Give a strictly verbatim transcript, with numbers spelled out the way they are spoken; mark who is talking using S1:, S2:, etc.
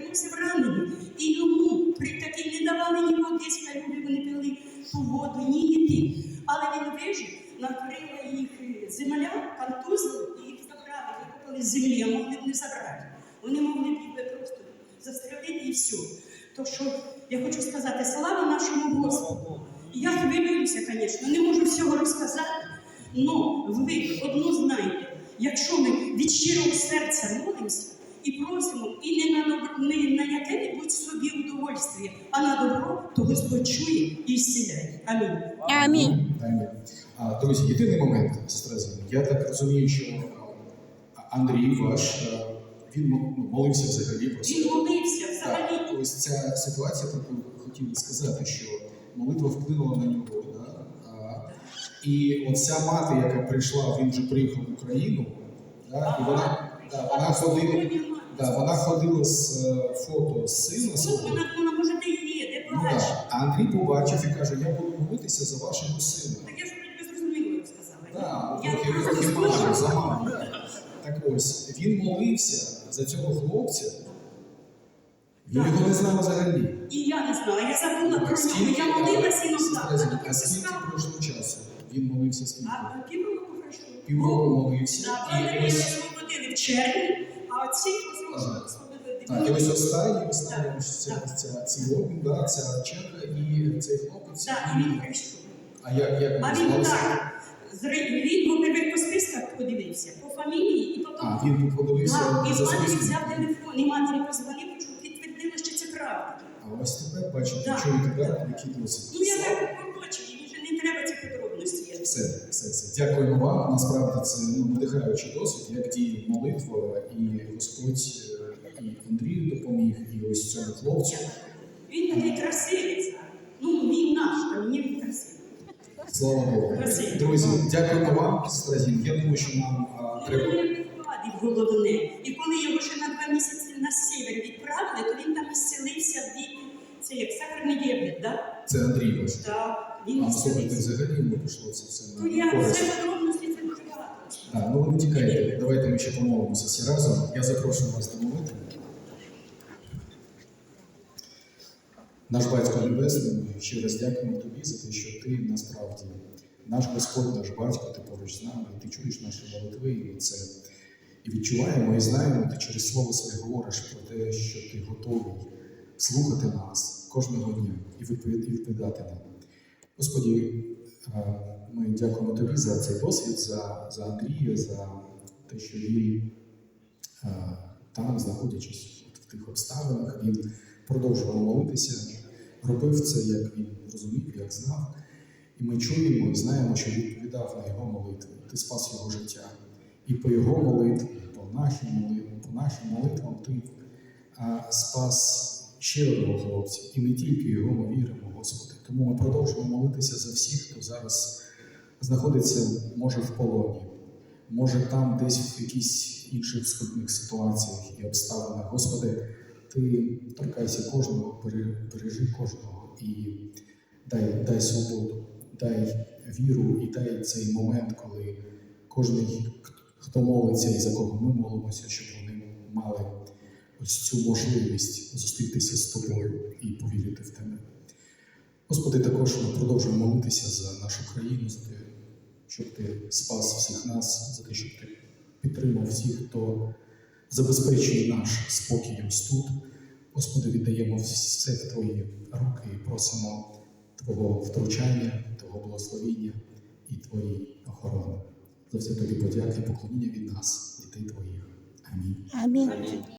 S1: знаходився в ранені. І йому при такій не давали ні води з калюги, вони пили ту воду, ні їди. Але він вижив, накрила їх земля, контузили, і їх забрали, викопали з землі, а могли б не забрати. Вони могли б їх просто застрелити і все. То що я хочу сказати, слава нашому Господу. Я хвилююся, звісно, не можу всього розказати, але ви одно знаєте, якщо ми від щирого серця молимося і просимо, і не на, добро, не на яке-небудь собі удовольствие, а на добро, то Господь чує і зціляє. Амінь.
S2: Амінь.
S3: Амінь. А, друзі, єдиний момент, сестра Зіна. Я так розумію, що Андрій ваш, він молився взагалі про це.
S1: Він молився взагалі.
S3: Так, ось ця ситуація, про яку хотів сказати, що молитва вплинула на нього. Да? А, і оця мати, яка прийшла, він вже приїхав в Україну, да? І вона, да, вона, ходила, да, вона ходила з фото з сина свого.
S1: Вона, вона може, де є, де
S3: Ну,
S1: плаче.
S3: да. А Андрій побачив і каже, я буду молитися за вашого сина.
S1: Так я ж вроді зрозуміло сказала.
S3: Так,
S1: Я
S3: трохи
S1: просто
S3: трохи
S1: скажу.
S3: мало, за маму. Так ось, він молився за цього хлопця, він
S1: Так.
S3: його не знав взагалі.
S1: І я не знала, я забула про
S3: Скільки-
S1: нього. Я молилася і не
S3: Сестра
S1: знала.
S3: Зіна, А скільки пройшло часу? Він молився скільки?
S1: А півроку пройшло.
S3: Півроку молився.
S1: Так,
S3: І
S1: вони
S3: ось,
S1: освободили в червні, а ці
S3: Ага.
S1: освободили.
S3: так, і ось останній, останній
S1: Так,
S3: ось ця,
S1: так.
S3: ця, цей обмін, да, ця черга і цей хлопець.
S1: Так, і він прийшов.
S3: А як, як
S1: А
S3: він
S1: він
S3: звався?
S1: так, зри- він, по-перше, по списках подивився, по фамілії, і потім...
S3: А, він подивився
S1: Так, і
S3: за
S1: матері
S3: списком.
S1: взяв телефон, і матері позвонив, що підтвердила, що це правда.
S3: А ось тепер, бачите,
S1: Так.
S3: чуєте, да, який досвід.
S1: Ну, я так побачив, і вже не треба ці подробності. я
S3: Все, все, все. Дякуємо вам. Насправді це ну, надихаючий досвід, як діє молитва, і Господь е, і Андрію допоміг, і ось цьому хлопцю.
S1: Він такий красивий. Ну, він наш, а мені він красивий.
S3: Слава Богу.
S1: Красивий.
S3: Друзі, дякуємо вам, сестра Зін. Я думаю, що нам а,
S1: Ну,
S3: треба.
S1: він вкладів головне. І коли його ще на два місяці на север відправили, то він там ісцелився від, це як сахарний діабет, да?
S3: Це Андрій ваш.
S1: Так, він
S3: А слухайте,
S1: ісцелився.
S3: взагалі йому пішло це все
S1: Ну, я
S3: на користь.
S1: все подробності, це дуже багато.
S3: Так, ну ви не тікайте. Давайте ми ще помолимося всі разом. Я запрошую вас до молитви. Наш Батько Небесний, ми ще раз дякуємо Тобі за те, що Ти насправді наш Господь, наш Батько, Ти поруч з нами, і Ти чуєш наші молитви, і ми це і відчуваємо, і знаємо, Ти через Слово Своє говориш про те, що Ти готовий слухати нас кожного дня і відповідати нам. Господі, ми дякуємо Тобі за цей досвід, за, за Андрія, за те, що він там, знаходячись в тих обставинах, він продовжував молитися, робив це, як він розумів, як знав. І ми чуємо і знаємо, що відповідав на його молитви. Ти спас його життя. І по його молитві, по нашим молитвам, по нашим молитвам ти а, спас ще одного хлопця. І не тільки його ми віримо, Господи. Тому ми продовжуємо молитися за всіх, хто зараз знаходиться, може, в полоні, може там десь в якихось інших складних ситуаціях і обставинах. Господи, Ти торкайся кожного, бережи кожного і дай, дай свободу, дай віру і дай цей момент, коли кожен, хто молиться і за кого ми молимося, щоб вони мали ось цю можливість зустрітися з Тобою і повірити в Тебе. Господи, також ми продовжуємо молитися за нашу країну, за те, щоб Ти спас всіх нас, за те, щоб Ти підтримав всіх, хто забезпечує наш спокій ось тут. Господи, віддаємо все в Твої руки і просимо Твого втручання, Твого благословіння і Твої охорони. За все Тобі подяки і поклоніння від нас, дітей Твоїх. Амінь.
S2: Амінь.